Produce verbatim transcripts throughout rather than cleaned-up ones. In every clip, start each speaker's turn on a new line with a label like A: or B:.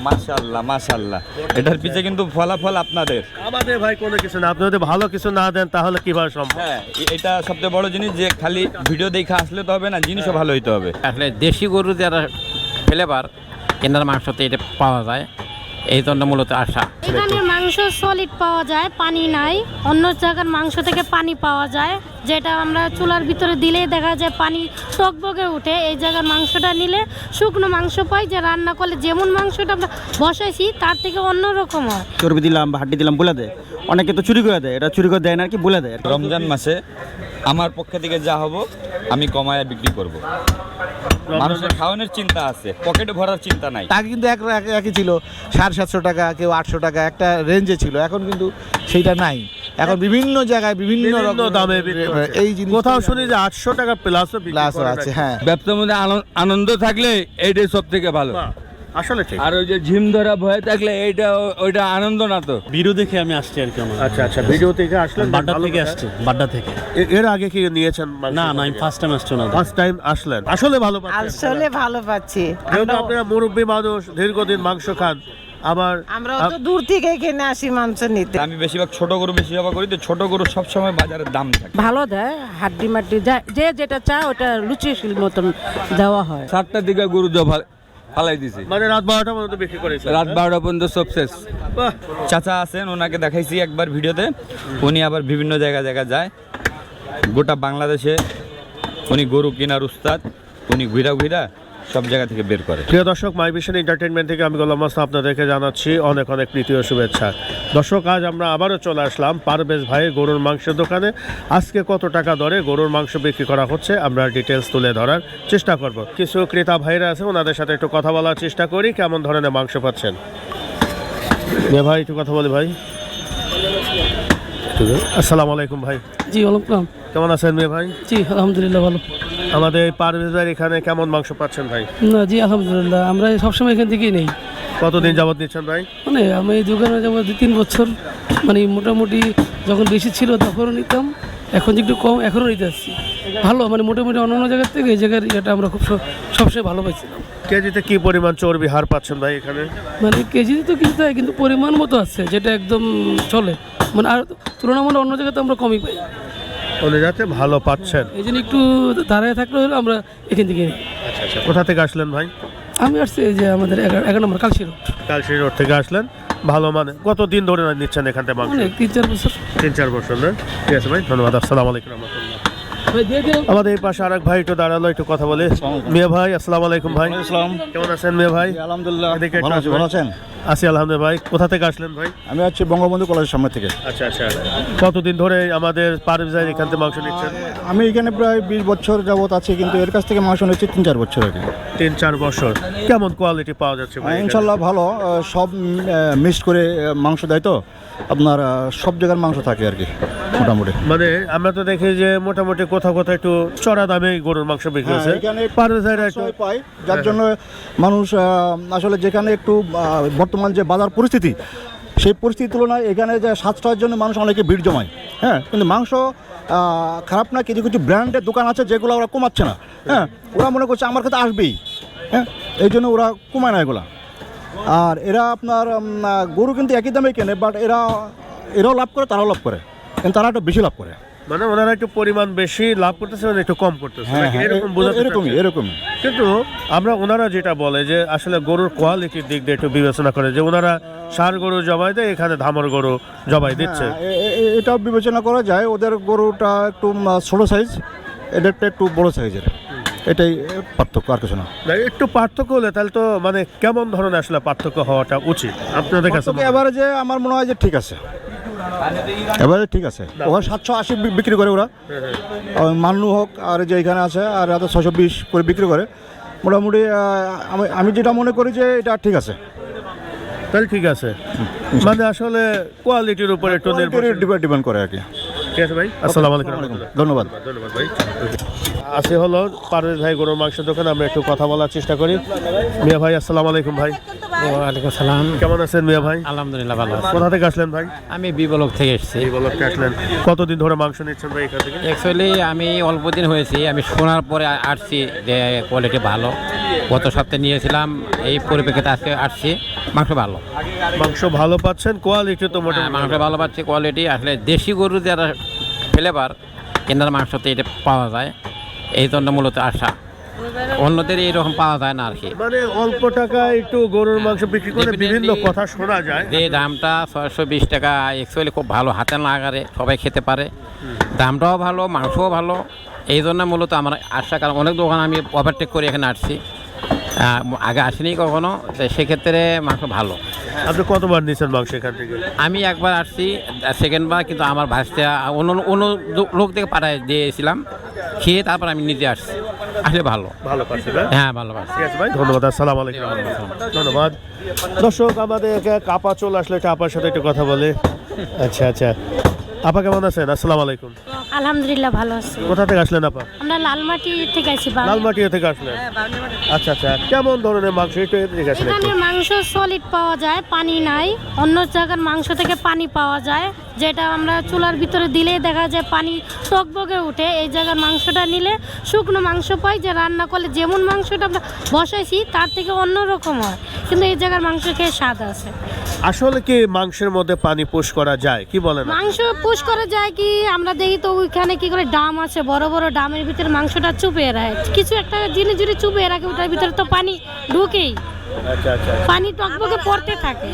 A: মাশাআল্লাহ মাশাআল্লাহ, এটার পিছে কিন্তু ফলাফল আপনাদের।
B: আমাদের ভাই কোনো কিছু না, আপনি যদি ভালো কিছু না দেন তাহলে কিভাবে সম্ভব?
A: হ্যাঁ, এটা সবচেয়ে বড় জিনিস যে খালি ভিডিও দেখে আসলে তো হবে না, জিনিসও ভালো হইতে হবে।
C: আসলে দেশি গরু যারা ফ্লেভার কেনার মাংসতে এটা পাওয়া যায়, এই জন্য মূলত আশা।
D: এখানে মাংস সলিড পাওয়া যায়, পানি নাই। অন্য জায়গার মাংস থেকে পানি পাওয়া যায়, যেটা আমরা চুলার ভিতরে দিলেই দেখা যায় পানি টকবকে উঠে। এই জায়গার মাংসটা নিলে শুকনো মাংস পাই, যে রান্না করলে যেমন মাংসটা আমরা বসাইছি তার থেকে অন্যরকম হয়।
E: চর্বি দিলাম বা হাড্ডি দিলাম বলে দেয়, অনেকে তো চুরি করে দেয়, এটা চুরি করে দেয় না আর কি, বলে দেয়।
A: রমজান মাসে আমার পক্ষ থেকে যা হবো আমি কমায় বিক্রি করব। মানুষের খাওয়ানোর চিন্তা আছে, পকেটে ভরার চিন্তা নাই।
F: আগে কিন্তু এক এক- একই ছিল, সাড়ে সাতশো টাকা, কেউ আটশো টাকা, একটা রেঞ্জে ছিল। এখন কিন্তু সেইটা নাই, এখন বিভিন্ন জায়গায় বিভিন্ন
B: বিভিন্ন
F: রকম
B: দামে বিক্রি হচ্ছে।
F: এই জিনিস
B: কোথাও শুনি যে আটশো টাকা প্লাসও বিক্রি
F: প্লাস
B: করে
F: আছে।
B: নাকি?
F: হ্যাঁ,
G: ব্যবসার মধ্যে আনন্দ- আনন্দ থাকলে এইটাই সব থেকে ভালো।
B: বাহ, আসলে ঠিক।
G: আর ওই যে ঝিম ধরা ভয়ে থাকলে এইটা ওইটা আনন্দ না তো।
H: ভিডিও দেখে আমি আসছি আর কি। আমার
B: আচ্ছা আচ্ছা, ভিডিও থেকে আসলেন?
H: বাড্ডা
B: ভালো
H: থেকে
B: কথা।
H: আসছি, বাড্ডা থেকে।
B: এ- এর আগে কি নিয়েছেন মাংস?
H: না না, আমি ফার্স্ট টাইম আসছি না।
B: ফার্স্ট টাইম আসলেন, আসলে ভালো পাচ্ছেন?
I: আসলে ভালো পাচ্ছি।
B: যেহেতু আপনারা মুরব্বী মানুষ, দীর্ঘদিন মাংস খান, আবার
I: আমরা তো দূর থেকে এখানে আসি মাংস নিতে।
A: আমি বেশিরভাগ ছোট গরু বেশি সেবা করি, তো ছোট গরু সবসময় বাজারের দাম থাকে।
I: ভালো দেয়, হাড্ডি মাড্ডি যা- যে যেটা চায় ওটা রুচিশীল মতন দেওয়া হয়।
G: সাতটার দিকে গরু জবা ফালাই দিছি,
B: মানে রাত বারোটা পর্যন্ত বিক্রি করেছেন?
G: রাত বারোটা পর্যন্ত সব শেষ।
B: বাহ,
A: চাচা আছেন, ওনাকে দেখাইছি একবার ভিডিওতে। উনি আবার বিভিন্ন জায়গা জায়গা যায়, গোটা বাংলাদেশে উনি গরু কেনার উস্তাদ। উনি ঘুরা ঘুরা সব জায়গা থেকে বের করে।
B: প্রিয় দর্শক, মাই ভিশন এন্টারটেইনমেন্ট থেকে আমি গোলাম মাস্তান আপনাদেরকে জানাচ্ছি অনেক অনেক প্রীতি ও শুভেচ্ছা। দর্শক, আজ আমরা আবারও চলে আসলাম পারভেজ ভাইয়ের গরুর মাংসের দোকানে। আজকে কত টাকা দরে গরুর মাংস বিক্রি করা হচ্ছে আমরা ডিটেলস তুলে ধরার চেষ্টা করব। কিছু ক্রেতা ভাইরা আছে, ওনাদের সাথে একটু কথা বলার চেষ্টা করি, কেমন ধরনের মাংস পাচ্ছেন। মেয়ে ভাই একটু কথা বলি ভাই। আসসালামু আলাইকুম ভাই।
H: জি ওয়ালাইকুম।
B: কেমন আছেন মেয়ে ভাই?
H: জি আলহামদুলিল্লাহ ভালো।
B: আমাদের পারভেজ ভাইয়ের এখানে কেমন মাংস পাচ্ছেন ভাই?
H: না জি আলহামদুলিল্লাহ, আমরা সবসময় এখান থেকেই নেই।
B: কতদিন যাবত নিচ্ছেন ভাই?
H: মানে আমি এই দোকানে যাবো দু তিন বছর। মানে মোটামুটি যখন বেশি ছিল তখনও নিতাম, এখন যে একটু কম এখনও নিতে আসছি। ভালো, মানে মোটামুটি অন্যান্য জায়গার থেকে এই জায়গার এটা আমরা খুব স- সবসময় ভালো পাইছিলাম।
B: কেজিতে কি পরিমাণ চর্বি হার পাচ্ছেন ভাই এখানে?
H: মানে কেজিতে তো কিনতে হয়, কিন্তু পরিমাণ মতো আছে যেটা একদম চলে। মানে আর তুলনামূলক অন্য জায়গাতে আমরা কমই পাই,
B: উনি যাতে ভালো পাচ্ছেন।
H: এই জন্য একটু দাঁড়ায় থাকলে হলে আমরা এখান থেকে নিই।
B: আচ্ছা আচ্ছা, কোথা থেকে আসলেন ভাই?
H: আমি আসছি এই যে আমাদের এগারো এগারো নম্বর কালশি রোড।
B: কালশি রোড থেকে আসলেন, ভালো মানে কতদিন ধরে নিচ্ছেন এখান থেকে মাংস?
H: অনেক তিন চার বছর।
B: তিন চার বছর না? ঠিক আছে ভাই, ধন্যবাদ। আসসালামু আলাইকুম রহমতুল্লাহ।
H: ভাই দিয়ে দিলাম।
B: আমাদের এই পাশে আরেক ভাই একটু দাঁড়ালো, একটু কথা বলে। মিয়া ভাই আসসালামু আলাইকুম ভাই। কেমন আছেন মিয়া ভাই?
E: আলহামদুলিল্লাহ
B: এদিকে একটু
E: ভালো আছি,
B: আসবেন।
E: ভালো আছেন?
B: আছি আলহামদুলিল্লাহ ভাই। কোথা থেকে আসলেন ভাই?
E: আমি হচ্ছে বঙ্গবন্ধু কলেজের সামনে থেকে।
B: আচ্ছা আচ্ছা, কতদিন ধরে আমাদের পারভেজ ভাই এখান থেকে মাংস নিচ্ছেন?
E: আমি এখানে প্রায় বিশ বছর যাবত আছি, কিন্তু এর কাছ থেকে মাংস নিচ্ছি তিন চার বছর আগে।
B: তিন চার বছর। কেমন কোয়ালিটি পাওয়া যাচ্ছে ভাই এখানে?
E: ইনশাল্লাহ ভালো, আহ, সব মিক্সড করে আহ, মাংস দেয় তো, আপনার আহ, সব জায়গার মাংস থাকে আর কি মোটামুটি।
B: মানে আমরা তো দেখি যে মোটামুটি কোথাও কোথাও একটু চড়া দামে গরুর মাংস বিক্রি হচ্ছে,
E: এখানে
B: পারভেজ ভাইরা একটু
E: সবাই পায়, যার জন্য মানুষ আহ, আসলে যেখানে একটু আহ, বর্তমান যে বাজার পরিস্থিতি, সেই পরিস্থিতির তুলনায় এখানে যে সাশ্রয়ের জন্য মানুষ অনেকে ভিড় জমায়। হ্যাঁ, কিন্তু মাংস আহ, খারাপ না, কিছু কিছু ব্র্যান্ডের দোকান আছে যেগুলো ওরা কমাচ্ছে না। হ্যাঁ, ওরা মনে করছে আমার কাছে আসবেই, হ্যাঁ, এই জন্য ওরা কমায় না এগুলা। আর এরা আপনার উম, আহ, গরু কিন্তু একই দামে কেনে, বাট এরা এরাও লাভ করে, তারাও লাভ করে, কিন্তু তারা একটু বেশি লাভ করে।
B: মানে ওনারা একটু পরিমাণ বেশি লাভ করতেছে, মানে একটু কম করতেছে,
E: হ্যাঁ
B: নাকি
E: হ্যাঁ,
B: এরকম
E: এ-
B: বোঝাতে
E: এরকমই
B: চাচ্ছেন?
E: এরকমই।
B: কিন্তু আমরা ওনারা যেটা বলে যে আসলে গরুর কোয়ালিটির দিক দিয়ে একটু বিবেচনা করে, যে ওনারা ষাঁড় গরু জবাই দেয়, এখানে ধামর গরু জবাই দিচ্ছে।
E: হ্যাঁ, এ- এ- এ- এটাও বিবেচনা করা যায়, ওদের গরুটা একটু উম, ছোটো সাইজ, এদেরটা একটু বড় সাইজের, এটাই পার্থক্য, আর কিছু না।
B: না, একটু পার্থক্য হলে তাহলে তো মানে কেমন ধরনের আসলে পার্থক্য হওয়াটা উচিত আপনাদের কাছে?
E: পার্থক্য এবারে যে আমার মনে হয় যে ঠিক আছে, এবারে ঠিক আছে। ওখানে সাতশো আশি বি- বিক্রি করে ওরা, আর মান্নু হোক আর যে এখানে আছে, আর এত ছশো বিশ করে বিক্রি করে। মোটামুটি আহ, আমি আমি যেটা মনে করি যে এটা ঠিক আছে।
B: তাহলে ঠিক আছে, মানে আসলে কোয়ালিটির উপর একটু নির্ভর।
E: ডিপেন্ড করে আর কি।
B: ঠিক আছে ভাই, আসসালামু আলাইকুম।
E: ধন্যবাদ।
B: ধন্যবাদ ভাই। আছে হলো পারভেজ ভাই গরুর মাংসের দোকানে, আমরা একটু কথা বলার চেষ্টা করি। মিয়া ভাই আসসালামু আলাইকুম ভাই।
C: ওয়ালাইকুম সালাম।
B: কেমন আছেন মিয়া ভাই?
C: আলহামদুলিল্লাহ ভালো আছি।
B: কোথা থেকে আসলেন ভাই?
C: আমি বিবলক থেকে এসেছি।
B: এই বলতে আসলেন। কতদিন ধরে মাংস নিচ্ছেন ভাই এখান থেকে?
C: অ্যাকচুয়ালি আমি অল্প দিন হয়েছি, আমি শোনার পরে আসছি যে কোয়ালিটি ভালো। গত সপ্তাহে নিয়েছিলাম, এই পরিপ্রেক্ষিতে আজকে আসছি, মাংস ভালো।
B: মাংস ভালো পাচ্ছেন, কোয়ালিটি তো
C: হ্যাঁ,
B: মোটামুটি
C: মাংস ভালো পাচ্ছি, কোয়ালিটি আসলে দেশি গরু যারা ফ্লেভার কেনার মাংসতে এটা পাওয়া যায়, এই জন্য মূলত আশা। অন্যদের এইরকম পাওয়া যায় না আর কি।
B: মানে অল্প টাকায় একটু গরুর মাংস বিক্রি করে বিভিন্ন কথা শোনা যায়।
C: যে দামটা ছয়শো বিশ টাকা অ্যাকচুয়ালি খুব ভালো, হাতে না আগারে সবাই খেতে পারে, দামটাও ভালো, মাংসও ভালো। এই জন্য মূলত আমার আশা, কারণ অনেক দোকান আমি ওভারটেক করে এখানে আসছি, আহ, আগে আসিনি কখনো, তো সেক্ষেত্রে মাংস ভালো।
B: আপনি কতবার নিয়েছেন মাংস এখান থেকে?
C: আমি একবার আসছি, সেকেন্ড বার কিন্তু আমার ভাষা অন্য অন্য লোক থেকে পাঠায় দিয়েছিলাম, খেয়ে তারপর আমি নিজে আসছি, আসলে ভালো।
B: ভালো পাচ্ছেন না?
C: হ্যাঁ, ভালো পাচ্ছি।
B: ঠিক আছে ভাই, ধন্যবাদ। আসসালামু আলাইকুম। ধন্যবাদ। দর্শক, আমাদের এক আপা চলে আসলে, একটা আপার সাথে একটু কথা বলে। আচ্ছা আচ্ছা, আপা কেমন আছেন? আসসালামু আলাইকুম।
D: আলহামদুলিল্লাহ ভালো আছি।
B: কোথা থেকে আসলেন আপা?
D: আমরা লালমাটি থেকে আছি।
B: লালমাটি থেকে আসলেন? আচ্ছা আচ্ছা, কেমন ধরনের মাংস একটু এদিকে আসেন একটু।
D: এখানে মাংস সলিড পাওয়া যায়, পানি নাই। অন্য জায়গার মাংস থেকে পানি পাওয়া যায়, যেটা আমরা চুলার ভিতরে দিলেই দেখা যায় পানি টকবগে উঠে। এই জায়গার মাংসটা নিলে শুকনো মাংস পাই, যে রান্না করলে যেমন মাংসটা আমরা বসাইছি তার থেকে অন্যরকম হয়, কিন্তু এই জায়গার মাংস খেয়ে স্বাদ আছে।
B: আসলে কি মাংসের মধ্যে পানি পুশ করা যায়, কি বলেন?
D: মাংস পুশ করা যায় কি, আমরা দেখি তো ওইখানে কি করে ডাম আছে, বড় বড় ডামের ভিতরে মাংসটা চুপিয়ে রাখে, কিছু একটা জিনিস যদি চুপিয়ে রাখে ওটার ভিতরে তো পানি ঢুকেই,
B: আচ্ছা আচ্ছা,
D: পানি টকবগে পড়তে থাকে।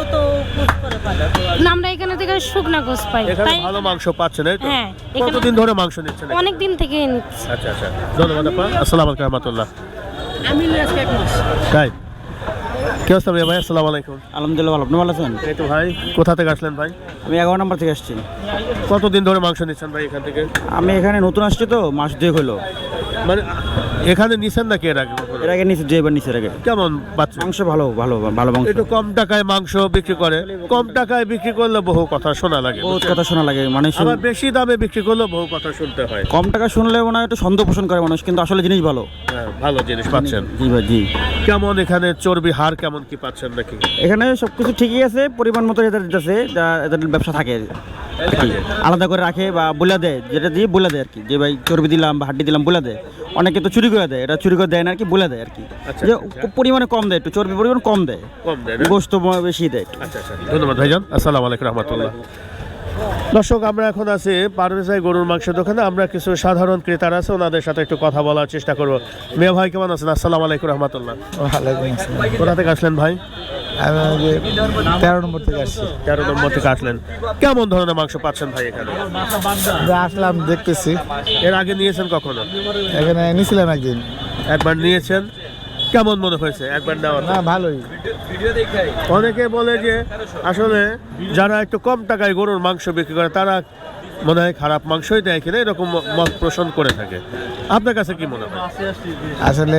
D: না, আমরা এখানে থেকে শুকনা গোস পাই,
B: এখানে
D: তাই
B: ভালো মাংস পাচ্ছেন, এই তো?
D: হ্যাঁ, এখানে
B: কতদিন ধরে মাংস নিচ্ছেন?
D: অনেক দিন থেকে নিচ্ছি।
B: আচ্ছা আচ্ছা, ধন্যবাদ আপা। আসসালামু আলাইকুম রহমতুল্লাহ।
H: আমি আজকে এক মাস।
B: তাই কি অবস্থা ভাই? আসসালামু আলাইকুম।
E: আলহামদুলিল্লাহ ভালো। আপনি ভালো আছেন?
B: এই তো ভাই, কোথা থেকে আসলেন ভাই?
E: আমি এগারো নম্বর থেকে আসছি।
B: কতদিন ধরে মাংস নিচ্ছেন ভাই এখান থেকে?
E: আমি এখানে নতুন আসছি তো, মাস দুয়েক হলো।
B: মানে এখানে নিছেন নাকি এর আগে?
E: এর আগে নিচে দুইবার নিচের আগে।
B: কেমন পাচ্ছেন?
E: মাংস ভালো ভালো ভালো মাংস।
B: একটু কম টাকায় মাংস বিক্রি করে, কম টাকায় বিক্রি করলে বহু কথা শোনা লাগে,
E: বহুত কথা শোনা লাগে, মানে শুন-
B: আবার বেশি দামে বিক্রি করলে বহু কথা শুনতে হয়।
E: কম টাকা শুনলে মনে হয় একটু সন্দেহ পোষণ করে মানুষ, কিন্তু আসলে জিনিস ভালো।
B: হ্যাঁ, ভালো জিনিস পাচ্ছেন।
E: জি ভাই, জি।
B: কেমন এখানে চর্বি হার কেমন কি পাচ্ছেন নাকি?
E: এখানে সব কিছু ঠিকই আছে, পরিমাণ মতো এদের দিতেছে, যা এদের ব্যবসা থাকে আর কি। আলাদা করে রাখে বা বলে দেয়, যেটা দিয়ে বলে দেয় আর কি, যে ভাই চর্বি দিলাম বা হাড্ডি দিলাম বলে দেয়। অনেকে তো চুরি করে দেয়, এটা চুরি করে দেয় না আর কি, বলে দেয় আর কি,
B: আচ্ছা,
E: যে
B: আচ্ছা।
E: খুব পরিমাণে কম দেয়, একটু চর্বি পরিমাণ কম দেয়,
B: কম দেয় না?
E: গোস্ত বেশি দেয় একটু।
B: আচ্ছা আচ্ছা, ধন্যবাদ ভাইজান। আসসালামু আলাইকুম রহমতুল্লাহ। দর্শক, আমরা এখন আছি পারভেজ ভাই গরুর মাংসের দোকানে। আমরা কিছু সাধারণ ক্রেতারা আছে, ওনাদের সাথে একটু কথা বলার চেষ্টা করবো। মিয়া ভাই কেমন আছেন? আসসালামু আলাইকুম রহমতুল্লাহ। কোথা থেকে আসলেন ভাই?
F: আমি তেরো নম্বর থেকে আসছি।
B: তেরো নম্বর থেকে আসলেন। কেমন ধরনের মাংস পাচ্ছেন ভাই এখানে?
F: আসলাম, দেখতেছি।
B: এর আগে নিয়েছেন কখনো?
F: এখানে নিয়েছিলাম একদিন।
B: একবার নিয়েছেন, কেমন মনে হয়েছে একবার নেওয়ার?
F: না, ভালোই।
B: অনেকে বলে যে আসলে যারা একটু কম টাকায় গরুর মাংস বিক্রি করে তারা মনে হয় খারাপ মাংসই দেয় কিনা, এরকম মত পোষণ করে থাকে। আপনার কাছে কি মনে হয়?
F: আসলে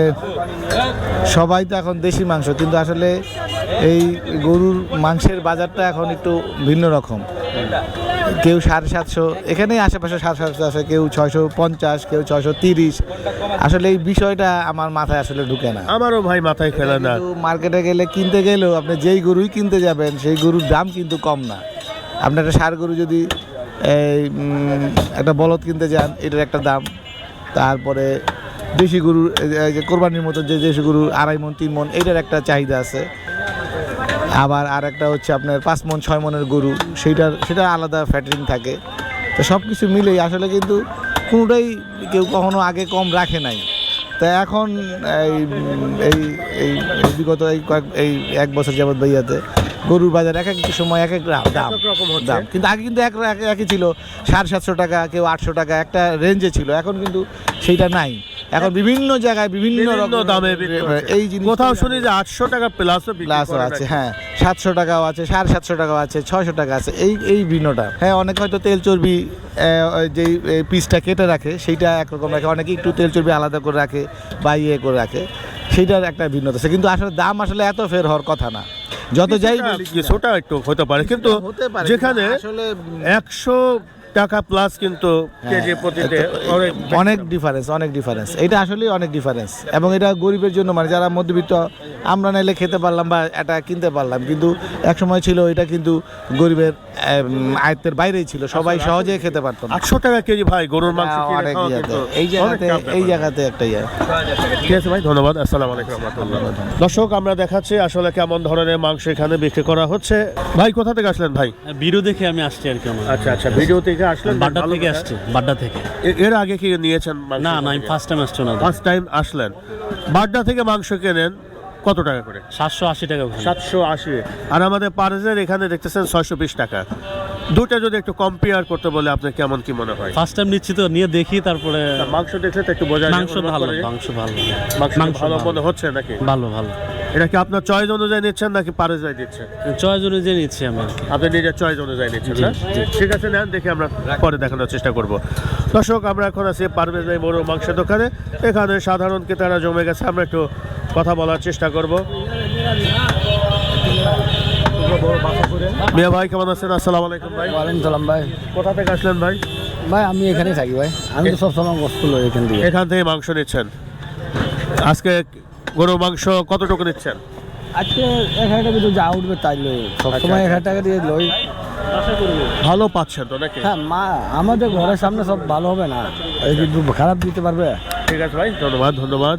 F: সবাই তো এখন দেশি মাংস, কিন্তু আসলে এই গরুর মাংসের বাজারটা এখন একটু ভিন্ন রকম। কেউ সাড়ে সাতশো, এখানেই আশেপাশে সাড়ে সাতশো আছে, কেউ ছয়শো পঞ্চাশ, কেউ ছয়শো তিরিশ। আসলে এই বিষয়টা আমার মাথায় আসলে ঢুকে না।
B: আমারও ভাই মাথায় খেলে না।
F: কিন্তু মার্কেটে গেলে কিনতে গেলেও আপনি যেই গরুই কিনতে যাবেন সেই গরুর দাম কিন্তু কম না। আপনি একটা ষাঁড় গরু যদি এই উম, একটা বলদ কিনতে যান, এটার একটা দাম। তারপরে দেশি গরুর এই যে কোরবানির মতো যে দেশি গরুর আড়াই মন তিন মন, এটার একটা চাহিদা আছে। আবার আর একটা হচ্ছে আপনার পাঁচ মন ছয় মনের গরু, সেইটার সেটা আলাদা ফ্যাটারিং থাকে। তো সব কিছু মিলেই আসলে কিন্তু কোনোটাই কেউ কখনো আগে কম রাখে নাই। তা এখন এই এই এই বিগত এই কয়েক এই এক বছর যাবৎ বইয়াতে গরুর বাজার এক এক সময় এক এক দাম দাম কিন্তু আগে কিন্তু এক এক- একই ছিল, সাড়ে সাতশো টাকা, কেউ আটশো টাকা, একটা রেঞ্জে ছিল। এখন কিন্তু সেইটা নাই। এখন বিভিন্ন জায়গায় বিভিন্ন
B: বিভিন্ন
F: রকম
B: দামে বিক্রি করছে।
F: এই জিনিস
B: কোথাও শুনি যে আটশো টাকা প্লাসও
F: প্লাসও আছে, হ্যাঁ, সাতশো টাকাও আছে, সাড়ে সাতশো টাকাও আছে, ছয়শো টাকা আছে, এই এই ভিন্নটা। হ্যাঁ, অনেকে হয়তো তেল চর্বি যেই পিসটা কেটে রাখে সেইটা একরকম রাখে, অনেকে একটু তেল চর্বি আলাদা করে রাখে বা ইয়ে করে রাখে, সেইটার একটা ভিন্নতা আছে। কিন্তু আসলে দাম আসলে এত ফের হওয়ার কথা না, যত যাই বলি।
B: কিছুটা একটু হতে পারে, কিন্তু
F: হতে পারে,
B: যেখানে
F: আসলে
B: একশো টাকা প্লাস কিন্তু কেজি প্রতিতে অনেক
F: অনেক ডিফারেন্স অনেক ডিফারেন্স এটা আসলে অনেক ডিফারেন্স এবং এটা গরিবের জন্য মানে যারা মধ্যবিত্ত আমরা নাইলে খেতে পারলাম বা এটা কিনতে পারলাম কিন্তু এক সময় ছিল এটা কিন্তু গরিবের উম, আয়ত্তের বাইরেই ছিল সবাই সহজে খেতে পারতো না
B: আটশো টাকা কেজি ভাই গরুর মাংস কিনে
F: অনেক
B: খাওয়া
F: ইয়াতে,
B: কিন্তু
F: এই
B: অনেক
F: জায়গাতে
B: চাপ ব্যাপার।
F: এই জায়গাতে একটা ইয়ে
B: ঠিক আছে ভাই, ধন্যবাদ। আসসালামু আলাইকুম রহমতুল্লাহ। দর্শক, আমরা দেখাচ্ছি আসলে কেমন ধরনের মাংস এখানে বিক্রি করা হচ্ছে। ভাই কোথা থেকে আসলেন ভাই?
J: ভিডিও দেখে আমি আসছি আর কি আমার।
B: আচ্ছা আচ্ছা, ভিডিও থেকে আসলেন?
J: বাড্ডা
B: ভালো
J: থেকে
B: কথা।
J: আসছি, বাড্ডা থেকে।
B: এ- এর আগে কি নিয়েছেন মাংস?
J: না না আমি ফার্স্ট টাইম আসছি না।
B: ফার্স্ট টাইম আসলেন। বাড্ডা থেকে মাংস কেনেন কত টাকা করে?
J: সাতশো আশি টাকা ওখানে।
B: সাতশো আশি। আর আমাদের পারজের এখানে দেখতেছেন ছয়শো বিশ টাকা। দুটা যদি একটু কম্পেয়ার করতে বলে আপনার কেমন কি মনে হয়?
J: ফার্স্ট টাইম নিচ্ছি তো, নিয়ে দেখি তারপরে।
B: মাংস দেখলে তো একটু বোঝা যায়,
J: মাংস
B: অনুমান
J: ভালো,
B: করা যায়।
J: মাংস ভালো,
B: মাংস
J: মাংস
B: ভালো
J: ভালো।
B: মনে হচ্ছে নাকি?
J: ভালো ভালো।
B: এটা কি আপনার চয়েস অনুযায়ী নিচ্ছেন নাকি পারজের দিচ্ছেন?
J: চয়েস অনুযায়ী নিচ্ছি আমি আর কি।
B: আপনি নিজের চয়েস অনুযায়ী নিচ্ছেন
J: জি,
B: না?
J: জি।
B: ঠিক আছে, নেন, দেখি আমরা পরে দেখানোর চেষ্টা করব। দর্শক, আমরা এখন আছি পারভেজ ভাই বড় মাংসের দোকানে। এখানে সাধারণ ক্রেতারা জমে গেছে, আমরা একটু কথা বলার চেষ্টা করব। মিয়া ভাই কেমন আছেন? আসসালামু আলাইকুম ভাই।
H: ওয়ালাইকুম সালাম ভাই।
B: কোথা থেকে আসলেন ভাই?
H: ভাই আমি এখানেই থাকি ভাই, আমি তো সবসময় গোসল লই এখান থেকে।
B: এখান থেকে মাংস নিচ্ছেন। আজকে গরুর মাংস কতটুকু নিচ্ছেন?
H: আজকে এক হাজার টাকা যা উঠবে তাই লই, সবসময় এক হাজার টাকা দিয়ে লই।
B: ভালো পাচ্ছেন তো নাকি?
H: হ্যাঁ, মা আমাদের ঘরের সামনে সব ভালো হবে না, এই কিন্তু খারাপ দিতে পারবে।
B: ঠিক আছে ভাই, ধন্যবাদ ধন্যবাদ।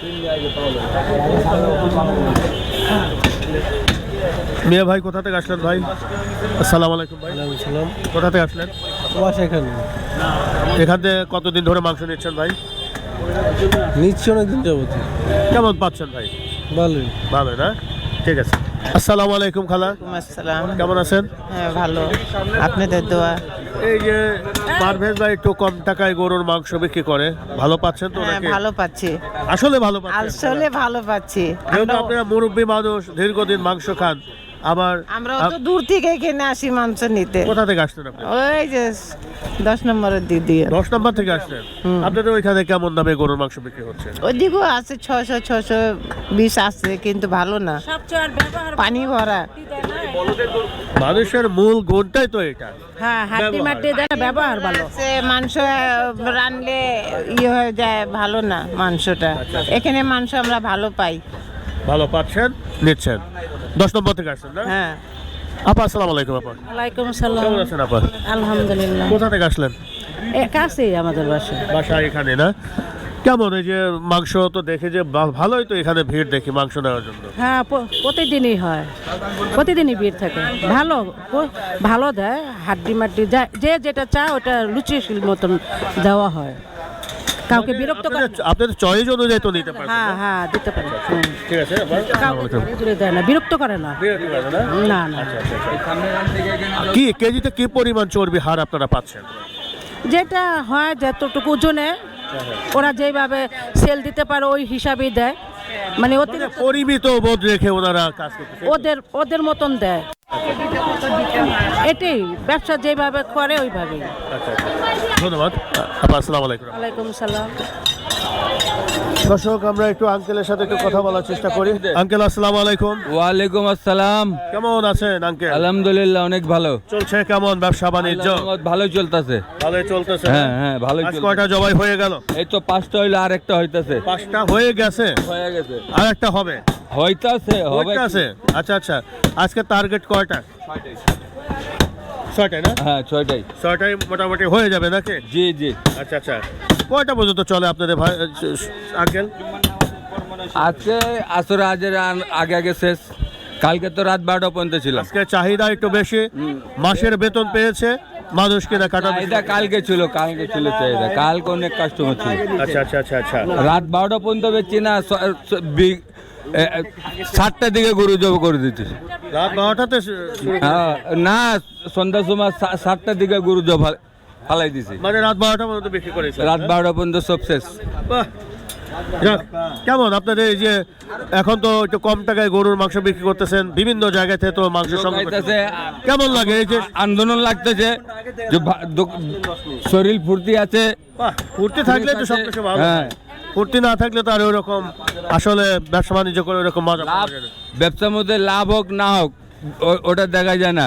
B: মিয়া ভাই কোথা থেকে আসলেন ভাই? আসসালামু আলাইকুম ভাই।
H: সালাম।
B: কোথা থেকে আসলেন?
H: বাসা এখানে
B: এখান থেকে কতদিন ধরে মাংস নিচ্ছেন ভাই?
H: নিচ্ছি অনেকদিন যাবত।
B: কেমন পাচ্ছেন ভাই?
H: ভালোই।
B: ভালো না? ঠিক আছে। আসসালামু আলাইকুম খালা,
K: আসসালাম।
B: কেমন আছেন?
K: হ্যাঁ ভালো, আপনাদের দোয়া।
B: এই যে পারভেজ ভাই একটু কম টাকায় গরুর মাংস বিক্রি করে, ভালো পাচ্ছেন তো
K: হ্যাঁ
B: নাকি?
K: ভালো পাচ্ছি,
B: আসলে ভালো পাচ্ছেন?
K: আসলে ভালো পাচ্ছি।
B: যেহেতু
K: আমরাও-
B: আপনারা মুরব্বী মানুষ, দীর্ঘদিন মাংস খান, আবার
K: আমরাও তো দূর থেকে এখানে আসি মাংস নিতে।
B: কোথা থেকে আসছেন আপনি?
K: ওই যে দশ নম্বরের দিদি,
B: দশ নম্বর থেকে আসছেন। আপনাদের ওইখানে কেমন দামে গরুর মাংস বিক্রি হচ্ছে?
K: ওইদিকেও আছে ছশো ছশো বিশ আছে, কিন্তু ভালো না, পানি ভরা।
B: মানুষের মূল গুণটাই তো এটা।
I: হ্যাঁ, হাড্ডি মাটি দেয়, ব্যবহার ভালো।
K: সে মাংস রানলে ইয়ে হয়ে যায়, ভালো না মাংসটা। এখানে মাংস আমরা ভালো পাই।
B: ভালো পাচ্ছেন, নিচ্ছেন। দশ নম্বর থেকে আসছেন না?
K: হ্যাঁ।
B: আপা আসসালামু আলাইকুম। আপা
I: ওয়ালাইকুম সালাম।
B: কেমন আছেন আপা?
I: আলহামদুলিল্লাহ।
B: কোথা থেকে আসলেন?
I: এ কাছেই আমাদের বাসা।
B: বাসা এখানে না? কেমন এই যে মাংস তো দেখে যে বা- ভালোই তো এখানে ভিড় দেখি মাংস নেওয়ার জন্য।
I: হ্যাঁ, প- প্রতিদিনই হয়, প্রতিদিনই ভিড় থাকে। ভালো, প- ভালো দেয়, হাড্ডি মাটি যা- যে যেটা চায় ওটা লুচিশীল মতন দেওয়া হয়, কাউকে বিরক্ত করে না।
B: আপনাদের- আপনাদের চয়েস অনুযায়ী তো নিতে পারবেন।
I: হ্যাঁ হ্যাঁ, দিতে পারে। হুম।
B: ঠিক আছে আপা।
I: কাউকে জোরে জোরে দেয় না, বিরক্ত করে না।
B: বিরক্তি করে না?
I: না না,
B: কি কেজিতে কি পরিমাণ চর্বি হার আপনারা পাচ্ছেন?
I: যেটা হয় যতটুকু ওজনে ওরা যেভাবে সেল দিতে পারে ওই হিসাবেই দেয়, মানে
B: মানে
I: অতিরিক্ত
B: পরিমিত বোধ রেখে ওনারা কাজ করতেছে।
I: ওদের ওদের মতন দেয়, এটাই ব্যবসা যেভাবে করে ওইভাবেই।
B: আচ্ছা আচ্ছা, ধন্যবাদ আপা। আসসালামু আলাইকুম।
I: ওয়ালাইকুম সালাম।
B: দর্শক, আমরা একটু আঙ্কেলের সাথে একটু কথা বলার চেষ্টা করি। আঙ্কেল আসসালামু আলাইকুম।
G: ওয়ালাইকুম আসসালাম।
B: কেমন আছেন আঙ্কেল?
G: আলহামদুলিল্লাহ অনেক ভালো
B: চলছে কেমন ব্যবসা বাণিজ্য?
G: ভালোই চলতেছে।
B: ভালোই চলতেছে?
G: হ্যাঁ হ্যাঁ ভালোই
B: আজ
G: চলতেছে।
B: কয়টা জবাই হয়ে গেল?
G: এই তো পাঁচটা হইলো আর একটা হইতাছে।
B: পাঁচটা হয়ে গেছে,
G: হয়ে গেছে,
B: আর একটা হবে।
G: হইতাছে হবে।
B: আছে। আচ্ছা আচ্ছা, আজকে টার্গেট কয়টা? ছয়টায় না?
G: হ্যাঁ ছয়টাই।
B: ছয়টায় মোটামুটি হয়ে যাবে নাকি?
G: জি জি।
B: আচ্ছা আচ্ছা, কয়টা পর্যন্ত চলে আপনাদের ভাই আঙ্কেল?
G: আজকে আসরে আজের আন- আগে আগে শেষ, কালকে তো রাত বারোটা পর্যন্ত ছিল।
B: আজকে চাহিদা একটু বেশি, মাসের বেতন পেয়েছে, মানুষ কেনা কাটা বেশি।
G: চাহিদা কালকে ছিল, কালকে ছিল চাহিদা, কালকে অনেক কাস্টমার ছিল।
B: আচ্ছা আচ্ছা আচ্ছা আচ্ছা,
G: রাত বারোটা পর্যন্ত বেচছি না, স- স- বি- এ, এ, সাতটার দিকে গরু জব করে দিচ্ছি।
B: রাত বারোটাতে শু- শুরু করে-
G: হ্যাঁ, না সন্ধ্যার সময় সা- সাতটার দিকে গরু জব ফালাই দিছি।
B: মানে রাত বারোটা পর্যন্ত বিক্রি করেছে?
G: রাত বারোটা পর্যন্ত সব শেষ।
B: বাহ! যাক, কেমন আপনাদের এই যে এখন তো একটু কম টাকায় গরুর মাংস বিক্রি করতেছেন, বিভিন্ন জায়গা থেকে তো মাংস সংগ্রহ করতেছেন।
G: খাইতেছে,
B: কেমন লাগে এই যে
G: আন্দোলন লাগতেছে, যে ভা- দোক- শরীর ফুর্তি আছে।
B: বাহ, ফুর্তি থাকলে তো সবকিছু ভালো।
G: হ্যাঁ।
B: ফুর্তি না থাকলে তো আর ওরকম আসলে ব্যবসা বাণিজ্য করে ওরকম মজা পাওয়া
G: লাভ,
B: যায় না।
G: ব্যবসার মধ্যে লাভ হোক না হোক ও- ওটা দেখা যায় না,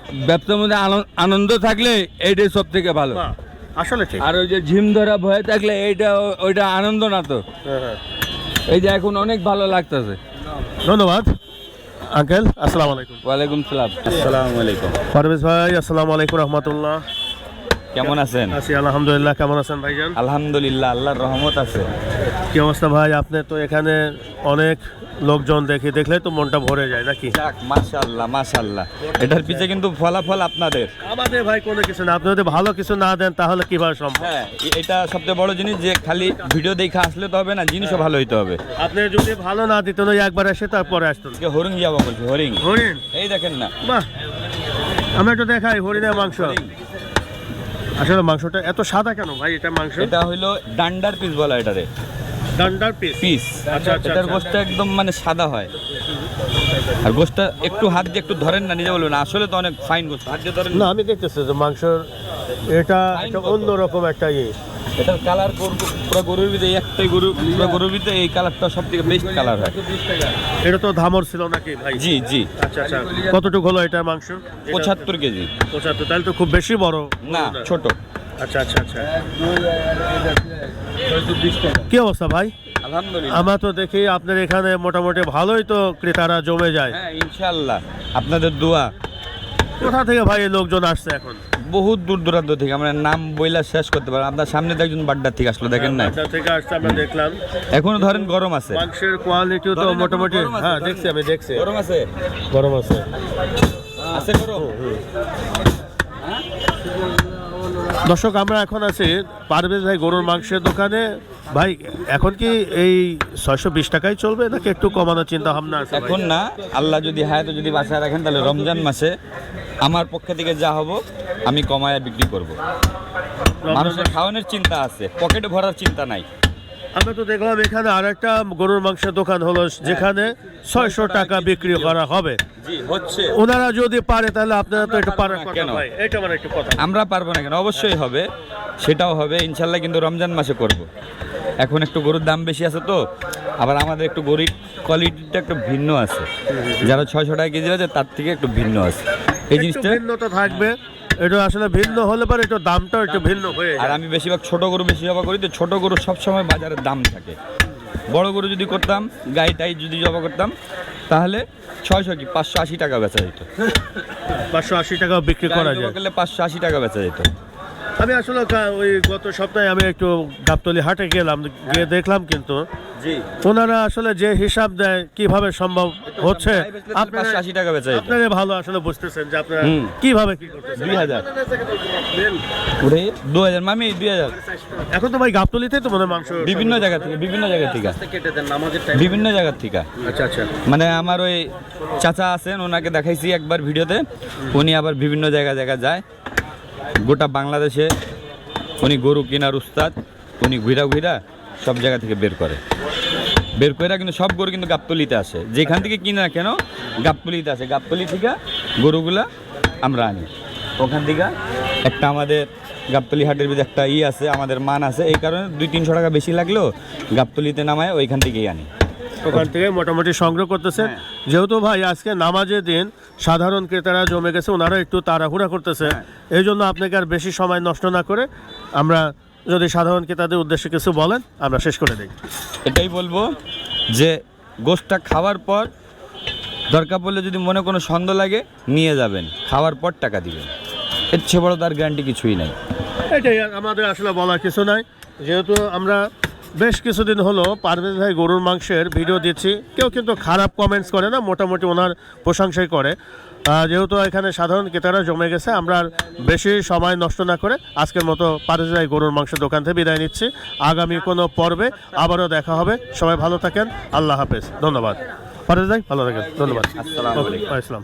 G: ব্যবসার মধ্যে আনন্দ- আনন্দ থাকলে এইটাই সব থেকে ভালো।
B: বাহ, আসলে ঠিক।
G: আর ওই যে ঝিম ধরা ভয়ে থাকলে এইটা ওইটা আনন্দ না তো।
B: হ্যাঁ, হ্যাঁ।
G: এই যে এখন অনেক ভালো লাগতেছে।
B: ধন্যবাদ আঙ্কেল, আসসালামু আলাইকুম।
G: ওয়ালাইকুম সালাম।
A: আসসালামু আলাইকুম।
B: পারভেজ ভাই, আসসালামু আলাইকুম রহমতুল্লাহ।
A: কেমন আছেন?
B: আছি আলহামদুলিল্লাহ, কেমন আছেন ভাইজান?
A: আলহামদুলিল্লাহ, আল্লাহর রহমত আছে।
B: কি অবস্থা ভাই? আপনি তো এখানে অনেক লোকজন দেখি, দেখলে তো মনটা ভরে যায় নাকি?
A: যাক, মাশাআল্লাহ মাশাআল্লাহ। এটার পিছে কিন্তু ফলাফল আপনাদের।
B: আমাদের ভাই কোনো কিছু না, আপনি যদি ভালো কিছু না দেন তাহলে কিভাবে সম্ভব?
A: হ্যাঁ, এ- এটা সবচেয়ে বড় জিনিস যে খালি ভিডিও দেখে আসলে তো হবে না, জিনিসও ভালো হইতে হবে।
B: আপনি যদি ভালো না দিতেন ওই একবার এসে তারপরে আসতেন।
A: আজকে হরিণ যাবো বলছি, হরিণ।
B: হরিণ?
A: এই দেখেন না,
B: বাহ, আমরা একটু দেখাই হরিণের মাংস। আসলে মাংসটা এত সাদা কেন ভাই? এটা মাংস
A: এটা হইলো ডান্ডার পিস বলা এটারে,
B: ডান্ডার পিস।
A: পিস।
B: আচ্ছা, আচ্ছা,
A: এটার
B: আচ্ছা।
A: গোশটা একদম মানে সাদা হয়। আর গোশটা একটু হাত দিয়ে একটু ধরেন না, নিজে বলবেন আসলে তো অনেক ফাইন গোশত, হাত দিয়ে ধরেন
B: না,
A: না।
B: আমি দেখতেছি যে মাংস এটা একটা অন্যরকম একটা ইয়ে।
A: এটার কালার পুরো গরুর ভিতরে একটাই গরু, পুরো গরুর ভিতরে এই কালারটা সব থেকে বেস্ট কালার হয়।
B: এটা তো ধামর ছিল নাকি ভাই?
A: জি জি।
B: আচ্ছা আচ্ছা, কতটুকু হলো এটা মাংস?
A: পঁচাত্তর কেজি।
B: পঁচাত্তর, তাহলে তো খুব বেশি বড়
A: না, ছোট।
B: আচ্ছা আচ্ছা আচ্ছা। কি অবস্থা ভাই?
A: আলহামদুলিল্লাহ।
B: আমরা তো দেখি আপনার এখানে মোটামুটি ভালোই তো ক্রেতারা জমে যায়।
A: হ্যাঁ, ইনশাআল্লাহ আপনাদের দোয়া।
B: কোথা থেকে ভাই এই লোকজন আসছে এখন?
A: বহুত দূর দূরান্ত থেকে, আমরা নাম বইলা শেষ করতে পারি। আপনার সামনে তো একজন বাড্ডার থেকে আসলো, দেখেন না?
B: বাড্ডা থেকে আসছে, আমরা দেখলাম।
A: এখনো ধরেন গরম আছে,
B: মাংসের কোয়ালিটিও তো
A: ধরেন এখনো
B: মোটামুটি,
A: গরম আছে,
B: হ্যাঁ
A: ধরেন।
B: দেখছি, আমি দেখছি
A: গরম আছে,
B: গরম আছে।
A: আছে গরম।
B: দর্শক, আমরা এখন আছি পারভেজ ভাই গরুর মাংসের দোকানে। ভাই, এখন কি এই ছয়শো বিশ টাকায় চলবে নাকি একটু কমানোর চিন্তা ভাবনা আছে?
A: এখন না, আল্লাহ যদি হায়াত যদি বাঁচায় রাখেন তাহলে রমজান মাসে আমার পক্ষে থেকে যা হবো আমি কমায়া বিক্রি করব। মানুষের খাওয়ানোর চিন্তা আছে, পকেটে ভরার চিন্তা নাই।
B: আমরা তো দেখলাম এখানে আর একটা গরুর মাংসের দোকান হলো, যেখানে ছয়শো টাকা বিক্রি করা হবে।
A: জি, হচ্ছে।
B: ওনারা যদি পারে তাহলে আপনারা তো একটু পারার কথা
A: কেন?
B: ভাই, এটা মানে একটু কথা।
A: আমরা পারবো না কেন? অবশ্যই হবে, সেটাও হবে ইনশাল্লাহ, কিন্তু রমজান মাসে করব। এখন একটু গরুর দাম বেশি আছে তো, আবার আমাদের একটু গরুর কোয়ালিটিটা একটু ভিন্ন আছে। যারা ছয়শো টাকা কেজি আছে তার থেকে একটু ভিন্ন আছে এই
B: একটু
A: জিনিসটা।
B: ভিন্নতা থাকবে, এটা আসলে ভিন্ন হলে পরে একটু দামটাও একটু ভিন্ন হয়ে
A: আর
B: যায়।
A: আমি বেশিরভাগ ছোট গরু বেশি জবা করি, তো ছোট গরু সবসময় বাজারে দাম থাকে। বড় গরু যদি করতাম, গাই টাই যদি জবা করতাম, তাহলে ছয়শো কি পাঁচশো আশি টাকা বেচা যেত।
B: পাঁচশো আশি টাকা বিক্রি করা
A: গাই জবা
B: যায়।
A: করলে পাঁচশো আশি টাকা বেচা যেত।
B: আমি আসলে কা- ওই গত সপ্তাহে আমি একটু গাবতলী হাটে গেলাম, গিয়ে দেখলাম কিন্তু
A: জি,
B: ওনারা আসলে যে হিসাব দেয় কিভাবে সম্ভব হচ্ছে, আপনারা
A: পাঁচশো আশি টাকা বেচা যেত।
B: আপনারা ভালো আসলে বুঝতেছেন যে আপনারা
A: হুম।
B: কিভাবে কি করতেছেন।
A: দুই হাজার ওরে দু হাজার মামি দুই হাজার।
B: এখন তো ভাই গাবতলীতে তো মনে হয় মাংস
A: বিভিন্ন জায়গা থেকে, বিভিন্ন জায়গা থেকে, বিভিন্ন জায়গা থেকে।
B: আচ্ছা আচ্ছা।
A: মানে আমার ওই চাচা আছেন, ওনাকে দেখাইছি একবার ভিডিওতে। উনি আবার বিভিন্ন জায়গা জায়গা যায়, গোটা বাংলাদেশে উনি গরু কেনার উস্তাদ। উনি ঘুরা ঘুরা সব জায়গা থেকে বের করে, বের করে কিন্তু সব গরু কিন্তু গাবতলিতে আসে। যেখান থেকে কিনে না কেন গাবতলিতে আসে। গাবতলি থেকে গরুগুলা আমরা আনি। ওখান থেকে একটা আমাদের গাবতলি হাটের ভিতরে একটা ই আছে, আমাদের মান আছে, এই কারণে দুই তিনশো টাকা বেশি লাগলেও গাবতলিতে নামায় ওইখান থেকেই আনি।
B: ওখান থেকে মোটামুটি সংগ্রহ করতেছেন। যেহেতু ভাই আজকে নামাজের দিন, সাধারণ ক্রেতারা জমে গেছে, ওনারা একটু তাড়াহুড়া করতেছে, এই জন্য আপনাকে আর বেশি সময় নষ্ট না করে আমরা যদি সাধারণ ক্রেতাদের উদ্দেশ্যে কিছু বলেন আমরা শেষ করে দিই।
A: এটাই বলবো যে গোশটা খাওয়ার পর দরকার পড়লে যদি মনে কোনো সন্দেহ লাগে নিয়ে যাবেন, খাওয়ার পর টাকা দিবেন। এর চেয়ে বড় তার গ্যারান্টি কিছুই নাই।
B: এটাই আমাদের আসলে বলার কিছু নাই। যেহেতু আমরা বেশ কিছুদিন হলো পারভেজ ভাই গরুর মাংসের ভিডিও দিচ্ছি, কেউ কিন্তু খারাপ কমেন্টস করে না, মোটামুটি ওনার প্রশংসাই করে। আহ, যেহেতু এখানে সাধারণ ক্রেতারা জমে গেছে, আমরা আর বেশি সময় নষ্ট না করে আজকের মতো পারভেজ ভাই গরুর মাংসের দোকান থেকে বিদায় নিচ্ছি। আগামী কোনো পর্বে আবারও দেখা হবে। সবাই ভালো থাকেন, আল্লাহ হাফেজ, ধন্যবাদ। পারভেজ ভাই ভালো থাকেন, ধন্যবাদ।
A: আসসালামু আলাইকুম।
B: ওকে, আসসালাম।